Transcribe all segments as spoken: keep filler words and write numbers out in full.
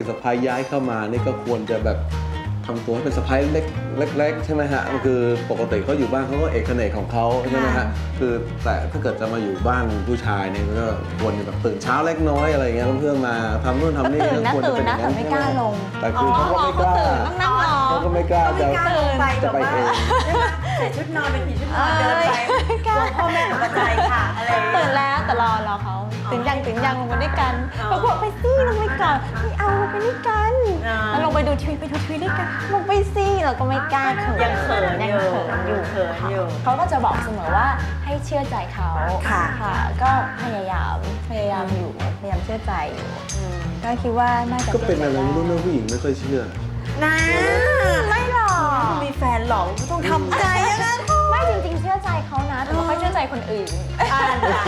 สะใภ้ย้ายเข้ามานี่ก็ควรจะแบบทำตัวให้เป็นสะใภ้เล็กเล็กๆใช่ไหมฮะคือปกติเขาอยู่บ้านเขาก็เอกเนกของเขาใช่ไหมฮะคือแต่ถ้าเกิดจะมาอยู่บ้านผู้ชายเนี่ยก็ควรจะแบบตื่นเช้าเล็กน้อยอะไรเงี้ยเพื่อนมาทำนู่นทำนี่ตื่นนะควรจะตื่นเป็นอนะย่างแต่นั้นไม่กล้าลงแต่คือเขาก็ไม่กล้าต้องนั่งรอเขาก็ไม่กล้าไม่จะกล้าลงไปจะแบบไปว่าเองใส่ชุดนอนเป็นผีชุดนอนเดินไปกลัวพ่อแม่ตกใจค่ะอะไรอย่างเงี้ยตื่นแล้วแต่รอรอเขาตื่นยังตื่นยังลงมาด้วยกันอ๋อเขาบอกไปสิลงไปก่อนไม่เอาลงไปด้วยกันอ๋อแล้วลงไปดูทีวีไปดูทีวีด้วยกันลงไปสิเราก็ไม่กล้าเขินยังเขินยังอยู่เขินอยู่เขินอยู่เขาก็จะบอกเสมอว่าให้เชื่อใจเขาค่ะค่ะ ก็พยายามพยายามอยู่พยายามเชื่อใจอยู่อืมก็คิดว่าน่าจะก็เป็นอะไรไม่รู้นะผู้หญิงไม่ค่อยเชื่อนะไม่หรอกมีแฟนหรอกก็ต้องทำใจอะนะไม่จริงๆเชื่อใจเขานะแต่ไม่ค่อยเชื่อใจคนอื่นอ่านจ้ะ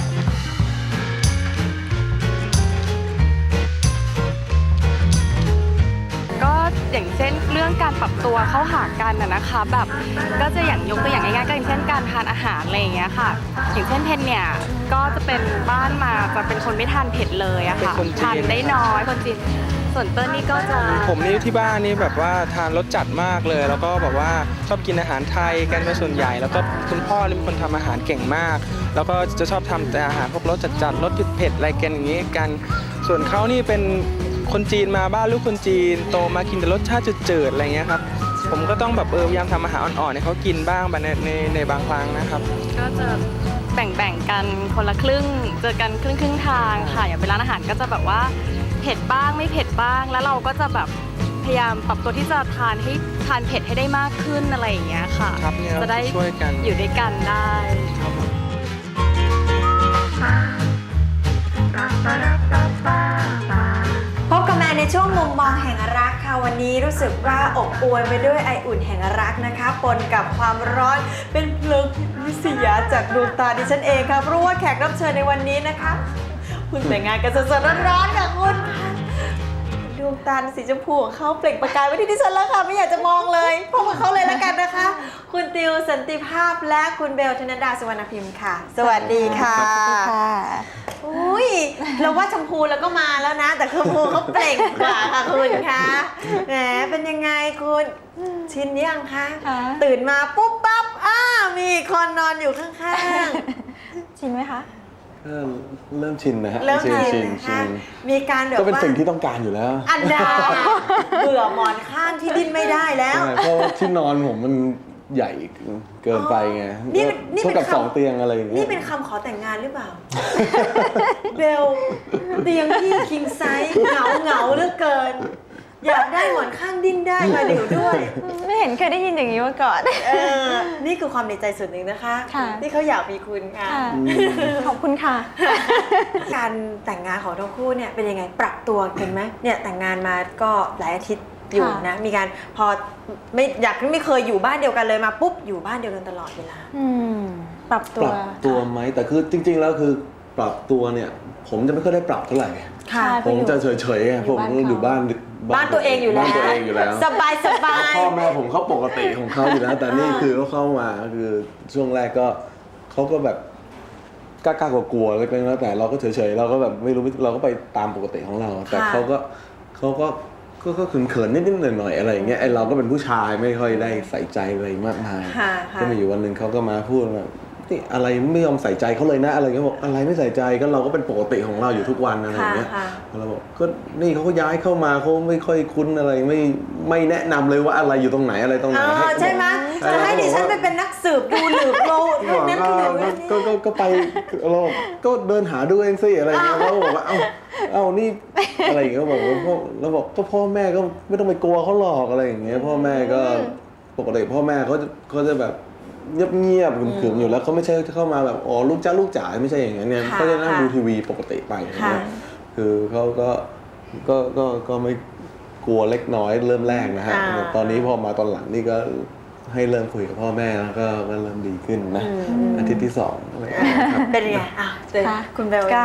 ก็อย่างเช่นเรื่องการปรับตัวเข้าหากันนะนะคะแบบก็จะอย่างยกตัวอย่างง่ายๆก็อย่างเช่นการทานอาหารอะไรอย่างเงี้ยค่ะอย่างเช่นเพนเนี่ยก็จะเป็นบ้านมาจะเป็นคนไม่ทานเผ็ดเลยอะค่ะเป็นคนจีนทานได้น้อยคนจีนส่วนเต้นนี่ก็จะผมนี่ที่บ้านนี่แบบว่าทานรสจัดมากเลย แล้วก็แบบว่าชอบกินอาหารไทยกันเป็นส่วนใหญ่ แล้วก็คุณพ่อนี่เป็นคนทำอาหารเก่งมาก แล้วก็จะชอบทำแต่อาหารพวกรสจัดๆรสเผ็ดๆอะไรกันอย่างนี้กัน ส่วนเขานี่เป็นคนจีนมาบ้านลูกคนจีนโตมากินแต่รสชาติจืดๆอะไรเงี้ยครับผมก็ต้องแบบเออพยายามทำอาหารอ่อนๆให้เขากินบ้างในในในบางครั้งนะครับก็จะแบ่งๆกันคนละครึ่งเจอกันครึ่งครึ่งๆทางค่ะอย่างเป็นร้านอาหารก็จะแบบว่าเผ็ดบ้างไม่เผ็ดบ้าง แล้วเราก็จะแบบพยายามปรับตัวที่จะทานให้ทานเผ็ดให้ได้มากขึ้นอะไรอย่างเงี้ยค่ะครับเนี่ยจะได้ช่วยกันอยู่ด้วยกันได้พบกับแม่ในช่วงมุมมองแห่งรักค่ะวันนี้รู้สึกว่าอบอวลไปด้วยไออุ่นแห่งรักนะคะปนกับความร้อนเป็นเพลิงวิสยาจากดวงตาดิฉันเองค่ะเพราะว่าแขกรับเชิญในวันนี้นะคะคุณแต่งงานกันสดๆร้อนๆค่ะคุณดวงตาสีชมพูของเขาเปล่งประกายไว้ที่ดิฉันแล้วค่ะไม่อยากจะมองเลยพบกับเขาเลยละกันนะคะ คุณติวสันติภาพและคุณเบลธนดาสุวรรณพิมพ์ค่ะ สวัสดีค่ะค่ะอุ้ยเราว่าชมพูแล้วก็มาแล้วนะ แต่ชมพูเขาเปล่งกว่าค่ะคุณคะแหมเป็นยังไงคุณชินยังคะค่ะตื่นมาปุ๊บปั๊บอ้ามีคนนอนอยู่ข้างชินไหมคะเริ่มเริ่มชินนะฮะๆเริ่มชินชิชินนนะชิคะนมีการแบบก็เป็นว่าสิ่งที่ต้องการอยู่แล้วอันดาเบื่อหมอนข้างที่ดิ้นไม่ได้แล้วใช่เพราะที่นอนผมมันใหญ่เกินไปไงนี่เป็นนี่เท่าเป็นกับคำสองเตียงอะไรอย่างเงี้นี่ยเป็นคำขอแต่งงานหรือเปล่า เบลเตียงที่คิงไซส์เหงาเหงาๆเหลือเกิน อยากได้หมอนข้างดิ้นได้มาเดี๋ยวด้วยไม่เห็นเคยได้ยินอย่างนี้มาก่อนเออ นี่คือความในใจส่วนหนึ่งนะคะค่ะที่เขาอยากมีคุณค่ะค่ะ ขอบคุณค่ะการแต่งงานของทั้งคู่เนี่ยเป็นยังไงปรับตัวกันไหมเนี่ยแต่งงานมาก็หลายอาทิตย์อยู่นะ มีการพอไม่อยากไม่เคยอยู่บ้านเดียวกันเลยมาปุ๊บอยู่บ้านเดียวกันตลอดเวลาอืม ปรับตัปวรับตัวไหมแต่คือจริง ๆ แล้วคือปรับตัวเนี่ย ผมจะไม่ค่อยได้ปรับเท่าไหร่ค่ะผมจะเฉยๆไงอยู่ผมบ้านเขาอยู่บ้านบ้านตัวเองอยู่แล้วบ้านตัวเองอยู่แล้วสบายสบาแล้วยพ่อแม่ผมเขาปกติของเขาอยู่แล้ว แต่นี่คือเขาเข้ามาคือช่วงแรกก็เขาก็แบบกล้าๆกลัวๆเล็กๆแล้วแต่เราก็เฉยๆเราก็แบบไม่รู้เราก็ไปตามปกติของเรา แต่เขาก็เขาก็ก็ก็เขินๆนิดๆหน่อยๆอะไรอย่างเงี้ยไอเราก็เป็นผู้ชายไม่ค่อยได้ใส่ใจอะไรมากมายค่ะค่ะก็มีอยู่วันหนึ่งเขาก็มาพูดแบบนี่อะไรไม่ยอมใส่ใจเขาเลยนะอะไรเงี้ยบอกอะไรไม่ใส่ใจก็เราก็เป็นปกติของเราอยู่ทุกวันอะไรอย่างเงี้ยค่ะเราบอกก็นี่เขาก็ย้ายเข้ามาเขาไม่ค่อยคุ้นอะไรไม่ไม่แนะนำเลยว่าอะไรอยู่ตรงไหนอะไรตรงไหนอ๋อใช่ไหมจะให้ดิฉันไปเป็นนักสืบดูหลืบโลดบอกนั่นว่าคือแบบก็นี้ก็ก็ไปเราบอกก็เดินหาดูเองสิอะไรเงี้ยเขาบอกว่าเอ้าเอ้านี่อะไรอย่างเงี้ยบอกว่าพ่อเราบอกก็พ่อแม่ก็ไม่ต้องไปกลัวเขาหรอกอะไรอย่างเงี้ยพ่อแม่ก็ปกติพ่อแม่เขาจะเขาจะแบบเงียบเงียบๆขรึมๆอยู่แล้วเขาไม่ใช่เข้ามาแบบอ๋อลูกจ้าลูกจ๋าไม่ใช่อย่างนั้นเนี่ยค่ะเขาจะนั่งค่ะดูทีวีปกติไปอย่างค่ะเงี้ยคือเขาก็ก็ก็ก็ไม่กลัวเล็กน้อยเริ่มแรกนะฮะอ่าตอนนี้พอมาตอนหลังนี่ก็ให้เริ่มคุยกับพ่อแม่แล้วก็ก็เริ่มดีขึ้นนะอืมอาทิตย์ที่สองอะไรอย่างเงี้ยครับเป็นไงอ่ะเจอค่ะคุณเบลก็ยังไง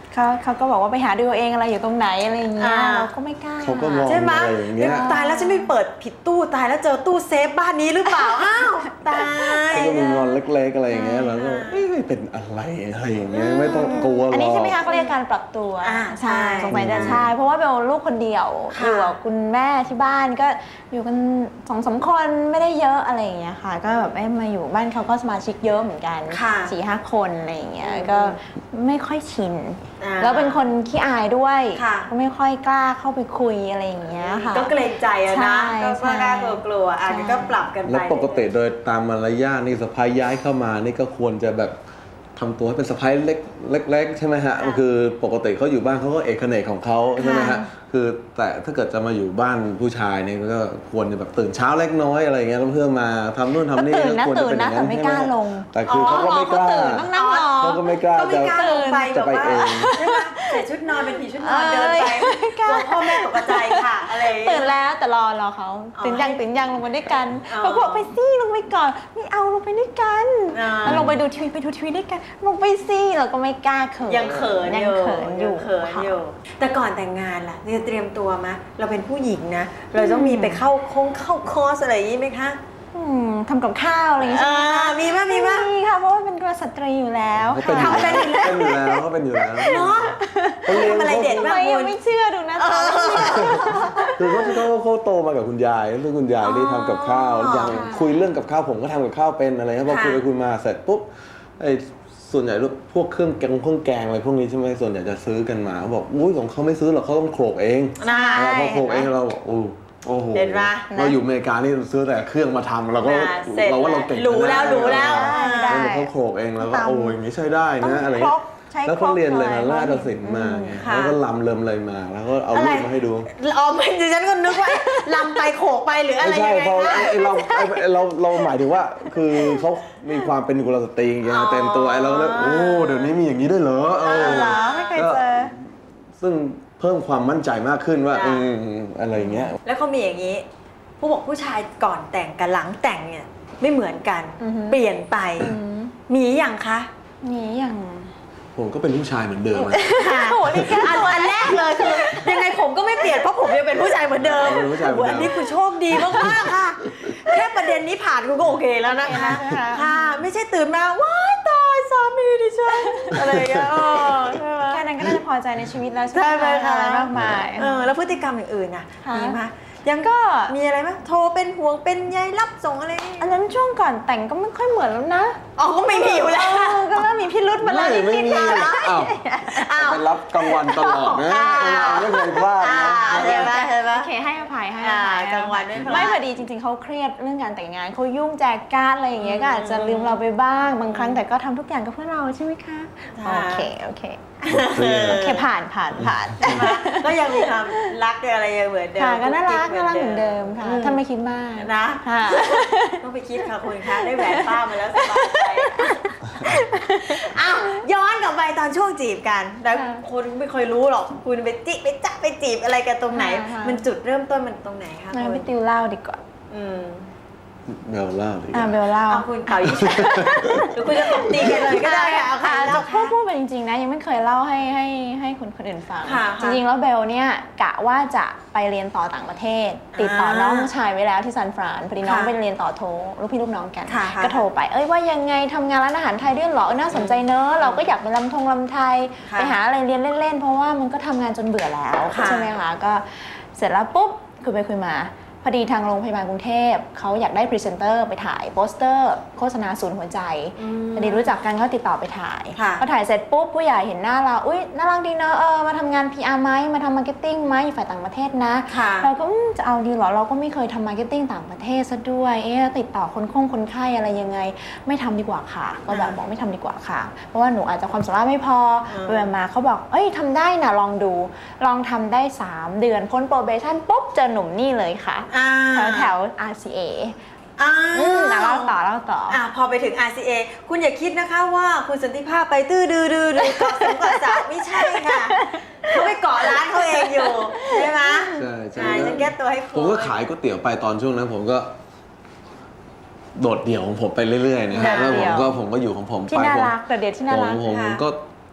เขาเขาก็บอกว่าไปหาดูเอาเองอะไรอยู่ตรงไหนอะไรอย่างเงี้ยอ่าเราก็ไม่กล้าเขาก็มองใช่ไหมอะไรอย่างเงี้ยตายแล้วฉันไม่เปิดผิดตู้ตายแล้วเจอตู้เซฟบ้านนี้หรือเปล่า อ้าวตายเขาก็มีงอนเล็กๆอะไรอย่างเงี้ยแล้วก็เอ้ยเป็นอะไรอะไรอย่างเงี้ยไม่ต้องกลัวหรอกอันนี้ใช่ไหมคะเขาเรียกการปรับตัวอ่าใช่สงสัยจะใช่เพราะว่าเบลลูกคนเดียวค่ะอยู่กับคุณแม่ที่บ้านก็อยู่กันสองสามคนไม่ได้เยอะอะไรอย่างเงี้ยค่ะ ก็แบบเอ้ยมาอยู่บ้านเขาก็สมาชิกเยอะเหมือนกันค่ะสี่ห้าคนอะไรอย่างเงี้ยอืมก็ไม่ค่อยชินอ่าแล้วเป็นคนขี้อายด้วยค่ะก็ไม่ค่อยกล้าเข้าไปคุยอะไรอย่างเงี้ยค่ะก็เกรงใจอะใช่นะก็ใช่กล้ากลัวกลัวๆอ่ะใช่ก็ปรับกันไปแล้วปกติโดยตามมารยาทนี่สะพ้ายย้ายเข้ามานี่ก็ควรจะแบบทำตัวให้เป็นสะพ้ายเล็กเล็กๆใช่ไหมฮะคือปกติเขาอยู่บ้านเขาก็เอกเขนกของเขาใช่ไหมฮะคือแต่ถ้าเกิดจะมาอยู่บ้านผู้ชายเนี่ยก็ควรจะแบบตื่นเช้าเล็กน้อยอะไรอย่างเงี้ยแล้วเพื่อมาทำนู่นทำนี่ตื่นนะควรจะตื่นเป็นอนะย่างนั้นแต่ไม่ใช่ไหมกล้าลงแต่คือเขาก็ไม่กล้าตื่นต้องนั่งรอเขาก็ไม่กล้าก็ไม่จะกล้าลงไปจะแบบไปว่าเองใช่ไหมใส่ชุดนอนเป็นผีชุดนอนเดินไปไม่กกล้าลัวพ่อแม่ตกใจค่ะอะไรอย่างเงี้ยตื่นแล้วแต่รอรอเขาอ๋อตื่นยังตื่นยังลงมาด้วยกันอ๋อเขาบอกไปสิลงไปก่อนไม่เอาลงไปด้วยกันอ่าแล้วลงไปดูทีวีไปดูทีวีด้วยกันลงไปสิเราก็ไม่กล้าเขินยังเขินยังอยู่เขินอยู่งเขินค่ะอยู่ แต่ก่อนแต่งงานล่ะจะเตรียมตัวไหมเราเป็นผู้หญิงนะ เราต้องมีไปเข้าคงเข้าคอร์สอะไรอย่างนี้ไหมคะอืมทำกับข้าวอะไรอย่างเงี้ยใช่ไหมอ่าคะมีมั้ยมีมั้ยมีค่ะเพราะว่าเป็นกษัตรีอยู่แล้วเขาเป็นค่ะอยู่แล้วเป็นอยู่แล้วเขาเป็นอยู่แล้วเนาะเขาเลี้ยงทำอะไรเด็ดทำบ้างไมคุยังณไม่เชื่อดูนะตอนคือเขาเขาเขาโตมากับคุณยายแล้วคุณยายได้ทำกับข้าวอ๋ออย่างคุยเรื่องกับข้าวผมก็ทำกับข้าวเป็นอะไรครับพอค่ะคุยไปคุยมาเสร็จปุ๊บไอ้ส่วนใหญ่พวกเครื่องแกงเครื่องแกงอะไรพวกนี้ใช่ไหมส่วนใหญ่จะซื้อกันมาเขาบอกอุ้ยของเขาไม่ซื้อหรอกเขาต้องโขลกเองน่าเราพอโขลกเองเราบอกโอ้โอ้โหเห็นปะเราอยู่อเมริกานี่ซื้อแต่เครื่องมาทำเราก็อ่าเสร็จเราว่าเราเก่งรู้แล้วรู้แล้วได้แล้วเขาโขลกเองแล้วก็ตำโอ้ยอย่างนี้ใช้ได้นะอะไรครเงี้กยใช้แล้วเขาเรียนอะไรคมาหราชอยศิลป์มาไงค่ะแล้วก็ลำเริมอะไรมา แล้วก็เอาอะไรรูปมาให้ดูอ๋อมันดิฉันก็นึกว่าลำไปโขกไปหรืออะไรไม่ใช่ยังไงเพราะคะไอ้ไอ้เราไอ้ไอ้เราเราหมายถึงว่า คือเขามีความเป็นกุลสตรีอย่างเงี้ยอ๋อเต็มตัวไอ้เราเลยโอ้เดี๋ยวนี้มีอย่างนี้ด้วยเหรอเออเหรอไม่เคยเจอซึ่งเพิ่มความมั่นใจมากขึ้นว่าจ้ะอืมอะไรอย่างเงี้ยแล้วเขามีอย่างนี้ ผู้บอกผู้ชายก่อนแต่งกับหลังแต่งเนี่ยไม่เหมือนกันอือฮึเปลี่ยนไปอืมมีอย่างคะนี่อย่างผมก็เป็นผู้ชายเหมือนเดิมอะค่ะโอ้โหนี่แค่อันตัวอันแรกเลยคือยังไงผมก็ไม่เปลี่ยนเพราะผมยังเป็นผู้ชายเหมือนเดิมเป็นผู้ชายเหมือนเดิมโอ้โหอันนี้คุณโชคดีมากๆค่ะ แค่ประเด็นนี้ผ่านคุณก็โอเคแล้วนะคะค่ะ ไม่ใช่ตื่นมาว้ายตายสามีดิฉันอะไรอย่างเงี้ยเออใช่ไหมแค่นั้นก็น่าจะพอใจในชีวิตแล้วใช่ไหมคะอะไรมากมายเออแล้วพฤติกรรมอย่างอื่นน่ะค่ะมีไหมยังก็มีอะไรไหมโทรเป็นห่วงเป็นใยรับส่งอะไรนี่อันนั้นช่วงก่อนแต่งก็ไม่ค่อยเหมือนแล้วนะอ๋อก็ไม่มีอยู่แล้วเออก็เริ่มมีพิรุธมาแล้วไม่ไม่นิดมีๆนะอ้าวอ้าวไปรับกลางวันตลอดนะอ้าวไม่เคยพลาดอ่านะเห็นไหมเห็นไหมโอเคให้อภัยให้อภัยอ่ากลางวันไม่พลาดไม่พอดีจริงๆเขาเครียดเรื่องการแต่งงานเขายุ่งแจกการ์ดอะไรอย่างเงี้ยก็อาจจะลืมเราไปบ้างบางครั้งแต่ก็ทำทุกอย่างกับเพื่อเราใช่ไหมคะค่ะโอเคโอเคโอเคผ่านผ่านผ่านก็ยังมีความรักอะไรยังเหมือนเดิมค่ะก็น่ารักกุ๊น่ารักเหมือนเดิมค่ะถ้าไม่คิดมากนะค่ะต้องไปคิดค่ะคุณคะได้แหวนป้ามาแล้วสบายใจอ้าวย้อนกลับไปตอนช่วงจีบกันแล้วค่ะคนไม่เคยรู้หรอกคุณไปจิไปจ๊ะไปจีบอะไรกันตรงไหนค่ะมันจุดเริ่มต้นมันตรงไหนคะงั้นคุพี่ณติวเล่าดีกว่าอืมเบลเล่าดิอ่าเบลเล่าเอาคุณเป่ายิงฉุบหรือคุณจะตบตีกันเลยก็ได้ค่ะเอาค่ะอ่าเล่าจะพูดพูดไปจริงๆนะยังไม่เคยเล่าให้ให้ให้คนคนอื่นฟังค่ะจริงๆแล้วเบลเนี่ยกะว่าจะไปเรียนต่อต่างประเทศ ติดต่อน้องชายไว้แล้วที่ซานฟรานพอดีน้องค่ะไปเรียนต่อโทลูกพี่ลูกน้องกันค่ะค่ะก็โทรไปเอ้ยว่ายังไงทำงานร้านอาหารไทยด้วยเหรอเออน่าสนใจเนอะเราก็อยากไปลำทงลำไทยค่ะไปหาอะไรเรียนเล่นๆ เพราะว่ามันก็ทำงานจนเบื่อแล้วค่ะใช่ไหมคะก็เสร็จแล้วปุ๊บคุยไปคุยมาพอดีทางโรงพยาบาลกรุงเทพเขาอยากได้พรีเซนเตอร์ไปถ่ายโปสเตอร์โฆษณาศูนย์หัวใจอืมพอดีรู้จักกันก็ติดต่อไปถ่ายค่ะพอถ่ายเสร็จปุ๊บผู้ใหญ่เห็นหน้าเรา อุ้ยน่ารักดีเนอะเออมาทำงาน พี อาร์ ไหมมาทำมาร์เก็ตติ้งไหมอยู่ฝ่ายต่างประเทศนะค่ะเราก็อืมจะเอาดีเหรอ เราก็ไม่เคยทำมาร์เก็ตติ้งต่างประเทศซะด้วย เอ๊ะติดต่อคนคงคนไข้อะไรยังไง ไม่ทำดีกว่าค่ะ ก็แบบบอกไม่ทำดีกว่าค่ะ เพราะว่าหนูอาจจะความสามารถไม่พออืมไปมาเขาบอก เอ้ยทำได้นะลองดู ลองทำได้สามเดือนพ้นโปรเบชั่นปุ๊บเจอหนุ่มนี่เลยค่ะอ่าแถวแถว อาร์ ซี เออ่าอืมอ่ะเล่าต่อเล่าต่ออ่ะพอไปถึง อาร์ ซี เอ คุณอย่าคิดนะคะว่าคุณสันติภาพไปตื้อดื้อดื้อดื้อเกาะสงเกาะสาวไม่ใช่ค่ะเขาไปเกาะร้านเขาเองอยู่ใช่ไหมใช่ใช่อ่าฉันแก้ตัวให้คุณผมก็ขายก๋วยเตี๋ยวไปตอนช่วงนั้นผมก็ โดดเดี่ยวของผมไปเรื่อยๆนะฮะโดแล้วดเดี่ผมยวก็ผมก็อยู่ของผมที่ไปน่าผมรักแต่เดียวที่น่ารักผมผมค่ะก็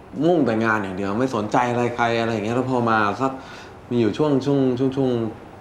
มุ่งแต่งานอย่างเดียวไม่สนใจอะไรใครอะไรอย่างเงี้ยแล้วพอมาสักมีอยู่ช่วงช่วงช่วงช่วง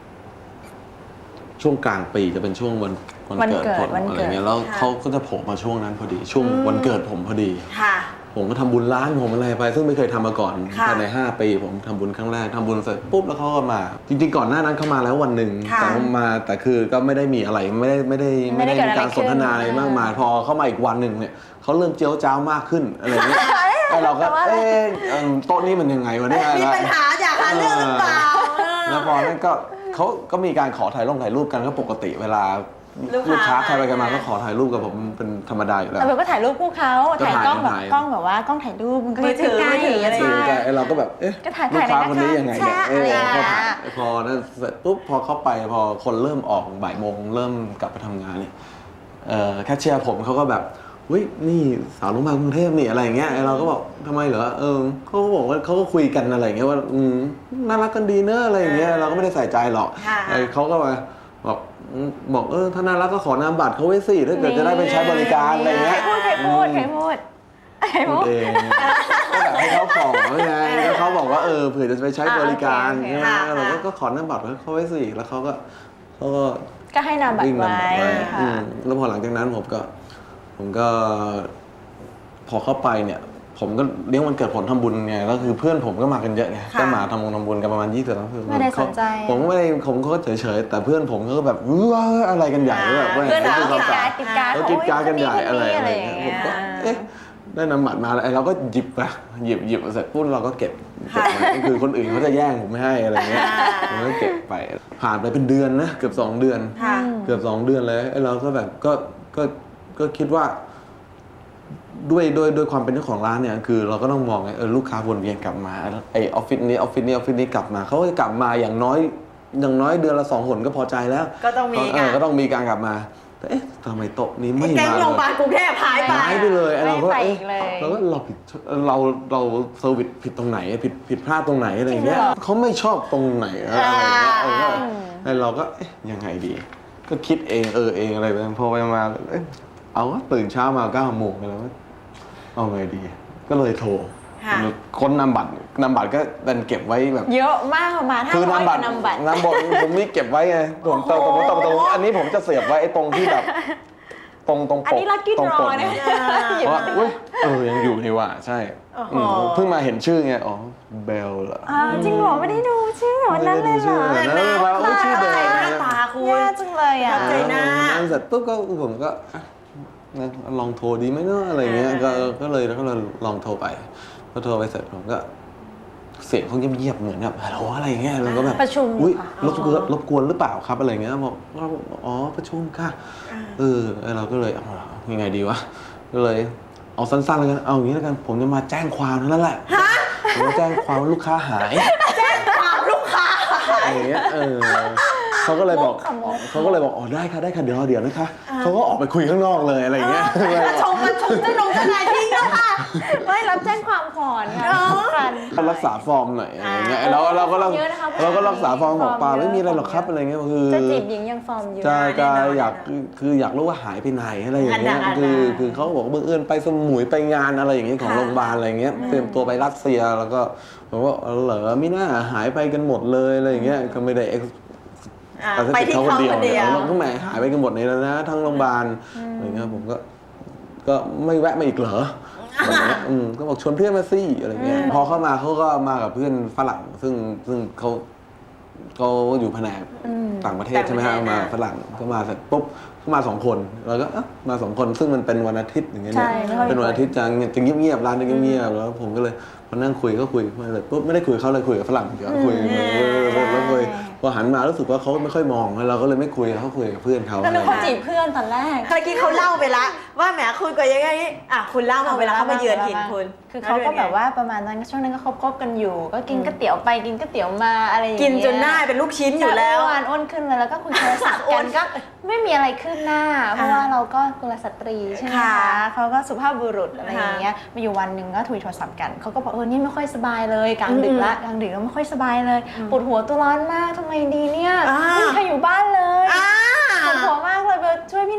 ช่วงกลางปีจะเป็นช่วงวันวันเกิดผมอะไรเงี้ยแล้วเขาก็จะโผล่มาช่วงนั้นพอดีช่วงวันเกิดผมพอดีค่ะผมก็ทำบุญร้านผมอะไรไป ซึ่งไม่เคยทำมาก่อนค่ะภายในห้าปีผมทำบุญครั้งแรกทำบุญเสร็จปุ๊บแล้วเขาก็มา จริงๆก่อนหน้านั้นเขามาแล้ววันหนึ่งค่ะแต่เขามาแต่คือก็ไม่ได้มีอะไรไม่ได้ไม่ได้ไม่ไม่ได้ได้เกิดมีอะไรการสนทนาขึ้นอะไรมากมายพอเข้ามาอีกวันหนึ่งเนี่ยเขาเริ่มเจียวจ้าวมากขึ้นอะไรอย่างเงี้ยแล้วเราก็เอ๊ะเอิ่มโต๊ะนี้มันยังไงวะเนี่ยมีปัญหาอยากหาเรื่องหรือเปล่าแล้วพอนั้นก็เขาก็มีการขอถ่ายลงถ่ายรูปกันก็ปกติเวลาลูลูกกค้าค้าใครไปกันมาก็ขอถ่ายรูปกับผมเป็นธรรมดาอยู่แล้วแต่เบลก็ถ่ายรูปคู่เขาก็ถ่ายถ่ายกล้องแบบถ่ายกล้องแบบว่ากล้องถ่ายรูปมันก็มือถือใกล้มือถืออะไรใช่แต่ไอ้เราก็แบบเอ๊ะก็ถ่ายลูกค้าถ่ายคนนี้นะคะยังไงเนี่ยแชะเอออะไรอย่างเงี้พอย ถ่ายพอนั้นเสร็จปุ๊บพอเข้าไปพอคนเริ่มออกบ่ายโมงเริ่มกลับไปทำงานเนี่ยเอ่อแคชเชียร์ผมเขาก็แบบเฮ้ยนี่สาวโรงพยาบาลกรุงเทพนี่อะไรอย่างเงี้ยไอ้เราก็บอกทำไมเหรอเออเขาก็บอกว่าเขาก็คุยกันอะไรอย่างเงี้ยว่าอืมน่ารักกันดีเนอะอะไรอย่างเงี้ยเราก็ไม่ได้ใส่ใจหรอกค่ะไอ้เขาก็มาบอกอืมบอกเออถ้าน่ารักก็ขอนามบัตรเขาไว้สิถ้าเกิดจะได้ไปใช้บริการอะไรอย่างใครเงี้ยพูดใครพูดใครพูดใครพูพูดดเองก็แบบให้เขาขอไงแล้วเขาบอกว่าเออเผื่อจะไปใช้บริการอ่าโอเคใช่ไหมค่ะเราก็ก็ขอนามบัตรเขาไว้สิแล้วเขาก็เขาก็ก็ให้นามบัตวิ่รงนำไว้บัตรไว้ค่ะอืมแล้วพอหลังจากนั้นผมก็ ผมก็ พอเข้าไปเนี่ย ผมก็เลี้ยงวันเกิดผมทำบุญไงแล้วคือเพื่อนผมก็มากันเยอะไงค่ะก็มาทำบุญทำบุญกันประมาณยี่สิบแล้วคือไม่ได้สนใจผมก็ไม่ได้ผมก็เฉยๆแต่เพื่อนผมก็แบบว้าอะไรกันใหญ่แบบว่าเพื่อนเราป็กินสวการ์ดกินการ์ดเขากินการ์ดกันใหญ่โยอะไรคอะไรนี้เงี้ยอผมก็ย่างเงี้ยเอ๊ะได้นำบัตรมาแล้วเราก็หยิบไปหยิบหยิบเสร็จปุ๊บเราก็เก็บเก็บไว้คือคนอื่นเขาจะแย่งผมไม่ให้อะไรเงี้ยผมก็เก็บไปผ่านไปเป็นเดือนนะเกือบสองเดือนค่ะเกือบสองเดือนเลยไอ้เราก็แบบก็ก็ก็คิดว่า ด้วยด้วยด้วยความเป็นเจ้าของร้านเนี่ยคือเราก็ต้องมองไงเออลูกค้าวนเวียนกลับมาไอออฟฟิศนี้ออฟฟิศนี้ออฟฟิศนี้กลับมาเขาก็จะกลับมาอย่างน้อยอย่างน้อยเดือนละสองหนก็พอใจแล้วก็ต้องมีเอกัอน ก็ต้องมีการกลับมาแต่เอ๊ะทำไมโต๊ะนี้ไม่แก๊งมาโรงพยาบาลกรุงเทพหายไปหายไปเลยไอ้เราก็ไม่ไปเอ๊ะอีกเลยเราก็เราผิดเราเราเซอร์วิสผิดตรงไหนผิดผิดพลาดตรงไหนอะไรอย่างเงี้ยจริงเหรอเขาไม่ชอบตรงไหนอะไรอย่างเงี้ยเออก็อืมไอ้เราก็เอ๊ะยังไงดี ก็คิดเองเออเองอะไรไปพอไปมาเอ๊ะเอาวะตื่นเช้ามาเก้าโมงแล้วเอาไงดี ก็เลยโทรค่ะค้นนามบัตรนามบัตรก็ดันเก็บไว้แบบเยอะมากประมาณห้าคือร้อยนามกบัตว่าร นามบัตรนามบัตรผมนี่เก็บไว้ไงผมตรงตรงตรงตรงอันนี้ผมจะเสียบไว้ไอ้ตรงที่แบบ ตรงตรงปกอันนี้ lucky ตรงป draw กนะเพราะว่าอุ้ยเออยังอยู่นี่ว่ะใช่โอ้โหอืมเพิ่งมาเห็นชื่อไงอ๋อเบลเหรออ่าจริงเหรอไม่ได้ดูชื่อวันนั้นเลยเหรอไม่ได้ดูชื่อเลยนะว่าชื่อเบลหน้าตาคุณแย่จังเลยอ่ะใจหน้าอันเสร็จปุ๊บก็ผมก็อ่ะงั้นลองโทรดีไหมเนาะอะไรเงี้ยก็ก็เลยก็เลยลองโทรไปพอโทรไปเสร็จผมก็ เสียงเขาเงียบๆเหมือนแบบฮัลโหลอะไรเงี้ยเราก็แบบประชุมอุ้ยค่ะรบกวนรบกวนหรือเปล่าครับอะไรเงี้ยบอกเราอ๋อประชุมค่ะเออเราก็เลยเอายังไงดีวะก็เลยเอาสั้นๆแล้วกันเอาอย่างนี้แล้วกันผมจะมาแจ้งความเท่านั้นแหละผมจะแจ้งความว่าลูกค้าหายความลูกค้าอะไรเงี้ยเออเขาก็เลยบอกมุกค่ะมุกเขาก็เลยบอกอ๋อได้ค่ะได้ค่ะเดี๋ยวเดี๋ยวนะคะเขาก็ออกไปคุยข้างนอกเลยอะไรเงี้ยมาชมมาชมเจ้าหนงเจ้านายทิ้งแล้วค่ะไม่รับแจ้งความก่อนค่ะสำคัญก็รักษาฟอร์มหน่อยอะไรเงี้ยเราเราก็เราเยอะนะคะเราก็รักษาฟอร์มบอกเปล่าฟอร์มเยอะไม่มีอะไรหรอกครับอะไรเงี้ยคือจะจีบหญิงยังฟอร์มอยู่ใช่แน่ก็นอนอยากแน่นอนคืออยากรู้ว่าหายไปไหนอะไรอย่างเงี้ยอันนั้นคืออันนั้นคือเขาบอกว่าบังเอิญไปสมุยไปงานอะไรอย่างเงี้ยของค่ะโรงพยาบาลอะไรเงี้ยเตรียมตัวไปรัสเซียแล้วก็ผมว่าเหรอไม่น่าหายไปกันหมดเลยอะไรอย่างเงี้ยก็ไม่ได้ ex อ่าแต่ถ้าไปติดที่เขาเขาคนเดียวคนเดีเนี่ยยวเราก็แหมหายไปกันหมดเลยแล้วนะทั้งโรงพยาบาลอะไรเงี้ยผมก็ก็ไม่แวะมาอีกเหรออะไรเงี้ยอืมก็บอกชวนเพื่อนมาสิอะไรเงี้ยพอเข้ามาเขาก็มากับเพื่อนฝรั่งซึ่งซึ่งเขาเขาอยู่แผนกอืมต่างประเทศใช่ไหมฮะต่างประเทศมาอ่ะฝรั่งก็มาเสร็จปุ๊บเขามาสองคนเราก็อ่ะมาสองคนซึ่งมันเป็นวันอาทิตย์อย่างเงี้ยใช่เนี่ยไม่ค่อยมีเป็นวันอาทิตย์จะจะเงียบๆร้านจะเงียบๆแล้วผมก็เลยมานั่งคุยก็คุยมาเลยปุ๊บไม่ได้คุยกับเขาเลยคุยกับฝรั่งเดี๋ยวคุยแล้วคุยพอหันมารู้สึกว่าเขาไม่ค่อยมองเราก็เลยไม่คุยเขาคุยกับเพื่อนเขาก็นึกว่าจีบเพื่อนตอนแรกเมื่อกี้เขาเล่าไปละว่าแหมคุณก็ยังไงอ่ะคุณเล่ามาเวลาเขามาเยือนถิ่นคุณคือเขาก็แบบว่าประมาณนั้นช่วงนั้นก็คบๆกันอยู่ ก็กินก๋วยเตี๋ยวไปกินก๋วยเตี๋ยวมาอะไรอย่างเงี้ยกินจนหน้าเป็นลูกชิ้นอยู่แล้วอ้วนอ้วนขึ้นเลยแล้วก็คุยโทรศัพท์อ้กัวน นก็ไม่มีอะไรขึ้นหน้า เพราะว่าเราก็กุลสตรีใช่ไหมค่ะคะเขาก็สุภาพบุรุษอะไรอย่างเงี้ยค่ะมาอยู่วันหนึ่งก็คุยโทรศัพท์กันเขาก็บอกเออนี่ไม่ค่อยสบายเลยกลางดึกละกลางดึกแล้วไม่ค่อยสบายเลยปวดหัวตัวร้อนมากทำไมดีเนี่ยอ่าไม่มีใครอยู่บ้านเลยอ่าปวดหัวมากเลยเบลช่วยพี่หน่อย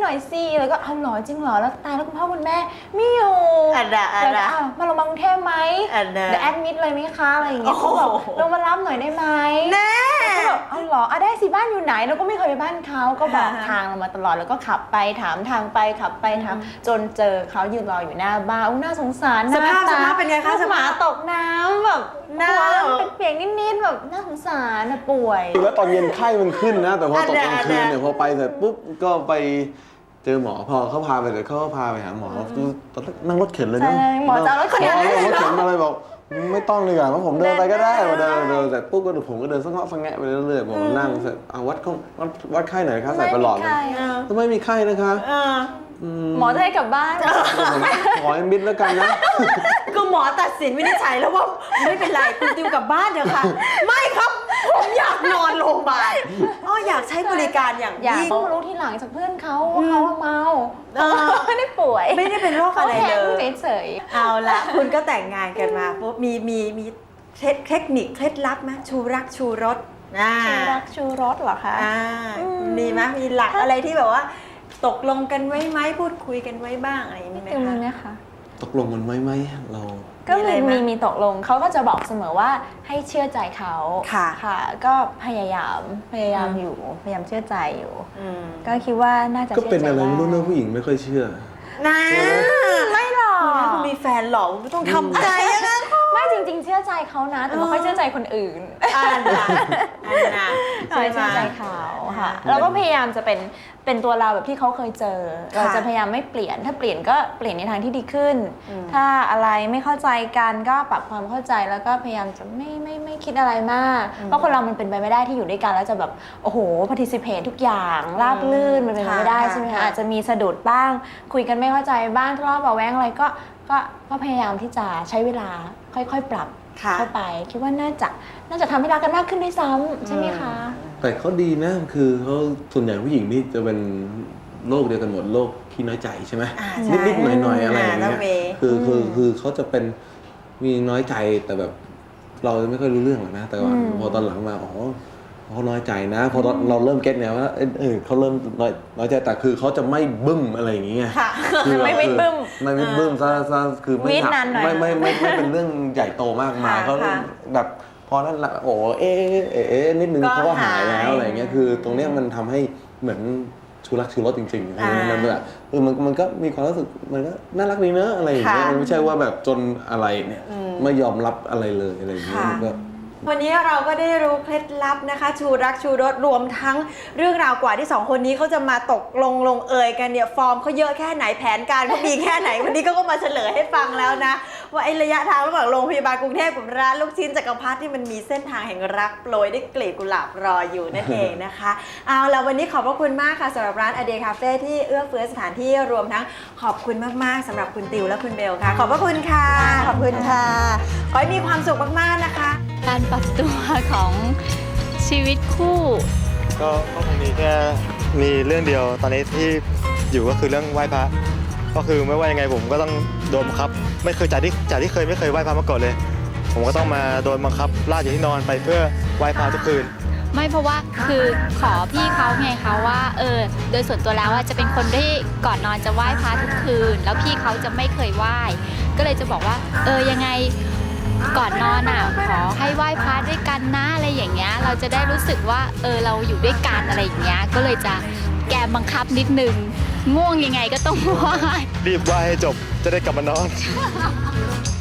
อยสิแล้วก็เอาหรอจริงเหรอแล้วตายแล้วคุณพ่อคุณแม่ไม่อยู่อันน่ะอันแล้วก็น่ะอ้าวมาลงมากรุงเทพไหมอันน่ะเดี๋ยวแอดมิดเลยไหมคะอะไรอย่างเงี้ยโอ้เขาโหบอกลงมารับหน่อยได้ไหมแน่ก็แบบเอาเหรออ่ะได้สิบ้านอยู่ไหนเราก็ไม่เคยไปบ้านเขาก็บอกอ่าฮะทางเรามาตลอดแล้วก็ขับไปถามทางไปขับไปถามจนเจอเขายืนรออยู่หน้าบ้านอุ้ยน่าสงสารสภาพหสน้ตภาพเป็นไงคะลูกหมาสภาพตกน้ำแบบหน้าหัวเป็นเปียกนิดๆแบบน่าสงสารนะป่วยคือแล้วตอนเย็นไข้มันขึ้นนะ แต่พอตกกลางคืนอันเนี้ยเนี่ยพอไปเสร็จปุ๊บก็ไปเจอหมอพอเขาพาไปเสร็จเขาก็พาไปหาหมอคือตอนแรกนั่งรถเข็นเลยนะใช่หมอจะเอารถเข็นหมอเอารถเข็นมาเลยบอกไม่ต้องเลยอ่ะเพราะผมเดินไปก็ได้เดินเดินเสร็จปุ๊บก็ผมก็เดินสังเงาะสังแงะไปเรื่อยๆผมนั่งเสร็จเอาวัดข้องวัดวัดไข้หน่อยคะใส่ประหลอดไม่มีไข้ก็ไม่มีไข้นะคะเออหมอจะให้กลับบ้านผมขอให้มิดแล้วกันนะคือหมอตัดสินวินิจฉัยแล้วว่าไม่เป็นไรคุณติวกลับบ้านเถอะค่ะ ไม่ครับผมอยากนอนโรงพยาบาลอ๋ออยากใช้บริการอย่างอยากยิ่งเพิ่งมารู้ทีหลังจากเพื่อนเขาว่าเขาเมาเออไม่ได้ป่วยไม่ได้เป็นโรคอะไรเลยขาแห้งเฉยเอาละคุณก็แต่งงานกันมาปุ๊บมีมีมีเทคเทคนิคเคล็ดลับไหมชูรักชูรสอ่าๆชูรักชูรสเหรอคะอ่าอืมมีไหมมีหลักอะไรที่แบบว่า ตกลงกันไว้ไหมพูดคุยกันไว้บ้างอะไรอย่างนี้ไหมติวมีคะไหมคะตกลงกันไว้ไหมเราก็มีอะไรมีไหมมีมีตกลงเขาก็จะบอกเสมอว่าให้เชื่อใจเขาค่ะค่ะ ก็พยายามพยายามอืมอยู่พยายามเชื่อใจอยู่อืมก็คิดว่าน่าจะก็เป็นชื่ใจอะไรไม่รู้ด้นะผู้หญิงไม่ค่อยเชื่อนะไม่หรอกคุณมีแฟนหรอคุณไม่ต้องทำใจอะนะไม่จริง ๆ เชื่อใจเขานะ แต่ไม่ค่อยเชื่อใจคนอื่นอันน่ะอันน่ะใช่ใช่ไหมเชื่อใจเขาค่ะอ่าแล้วก็พยายามจะเป็นเป็นตัวเราแบบที่เขาเคยเจอค่ะเราจะพยายามไม่เปลี่ยน ถ้าเปลี่ยนก็เปลี่ยนในทางที่ดีขึ้นอืมถ้าอะไรไม่เข้าใจกันก็ปรับความเข้าใจแล้วก็พยายามจะไม่ไม่ไม่คิดอะไรมาก เพราะคนเรามันเป็นไปไม่ได้ที่อยู่ด้วยกันแล้วจะแบบโอ้โห participate ทุกอย่างราบลื่นมันเป็นไปไม่ได้ค่ะใช่ไหมค่ะคะอาจจะมีสะดุดบ้าง คุยกันไม่เข้าใจบ้างทะเลาะเบาะแว้งอะไรก็ก็ก็พยายามที่จะใช้เวลาค่อยๆ ปรับค่ะเข้าไปคิดว่าน่าจะน่าจะทำให้รักกันมากขึ้นด้วยซ้ำใช่ไหมคะแต่เขาดีนะคือเขาส่วนใหญ่ผู้หญิงนี่จะเป็นโรคเดียวกันหมดโรคขี้น้อยใจใช่ไหมอ่าใช่นิดๆหน่อยๆอะไรอย่างอ่าเงี้น้องเมย์ยคือคือคือเขาจะเป็นมีน้อยใจแต่แบบเราไม่ค่อยรู้เรื่องหรอกนะแต่ว่าอืมพอตอนหลังมาอ๋อเขาน้อยใจนะพอตอนเราเริ่มเก็ตเนี่ยว่าเอยเออเขาเริ่มน้อยน้อยใจแต่คือเขาจะไม่บึ้มอะไรอย่างเงี้ยค่ะคือไม่ไม่บึ้มไม่ไม่บึ้มซะซะคือไม่วีดหนักนานหน่อยไม่ไม่ไม่ไม่เป็นเรื่องใหญ่โตมากมายค่ะเขาค่ะแบบพอนั้นละโอ้เอ๊ะเอ๊ะเอ๊ะเอ๊ะนิดนึงก็เขาก็หายหายแล้วอะไรเงี้ยคือ ตรงเนี้ยมันทำให้เหมือนชูรักชูรสจริงๆอ่ามันแบบเออมันมันก็มีความรู้สึกมันก็น่ารักดีเนอะอะไรอย่างเงี้ยค่ะมันไม่ใช่ว่าแบบจนอะไรเนี่ยอืมไม่ยอมรับอะไรเลยอะไรอย่างเงี้ยค่ะมันก็วันนี้เราก็ได้รู้เคล็ดลับนะคะ ชูรักชูรสรวมทั้งเรื่องราวกว่าที่สองคนนี้เขาจะมาตกลงลงเอยกันเนี่ยฟอร์มเขาเยอะแค่ไหนแผนการเขามีแค่ไหน วันนี้เขาก็มาเฉลยให้ฟังแล้วนะ ว่าไอ้ระยะทางระหว่างโรงพยาบาลกรุงเทพกับร้านลูกชิ้นจักรพรรดิที่มันมีเส้นทางแห่งรักโปรยด้วยกลีบกุหลาบรออยู่นั่นเองนะคะ เอาละวันนี้ขอบพระคุณมากค่ะสำหรับร้าน A Day Cafe ที่เอื้อเฟื้อสถานที่รวมทั้งขอบคุณมากๆสำหรับคุณติวและคุณเบลค่ะ ขอบพระคุณค่ะขอบคุณค่ะขอให้มีความสุขมากๆนะคะการปรับตัวของชีวิตคู่ก็ก็คงมีแค่มีเรื่องเดียวตอนนี้ที่อยู่ก็คือเรื่องไหว้พระก็คือไม่ว่ายังไงผมก็ต้องโดนบังคับ ไม่เคยจากที่จากที่เคยไม่เคยไหว้พระมาก่อนเลย ผมก็ต้องมาโดนบังคับลากจากที่นอนไปเพื่อไหว้พระทุกคืนไม่เพราะว่าคือขอพี่เขาไงคะว่าเออโดยส่วนตัวแล้วว่าจะเป็นคนที่ก่อนนอนจะไหว้พระทุกคืน แล้วพี่เขาจะไม่เคยไหว้ก็เลยจะบอกว่าเออยังไงก่อนนอนอ่ะขอให้ไหว้พระด้วยกันนะอะไรอย่างเงี้ยเราจะได้รู้สึกว่าเออเราอยู่ด้วยกันอะไรอย่างเงี้ยก็เลยจะแกมบังคับนิดนึงง่วงยังไงก็ต้องไหว้รีบไหว้ให้จบจะได้กลับมานอน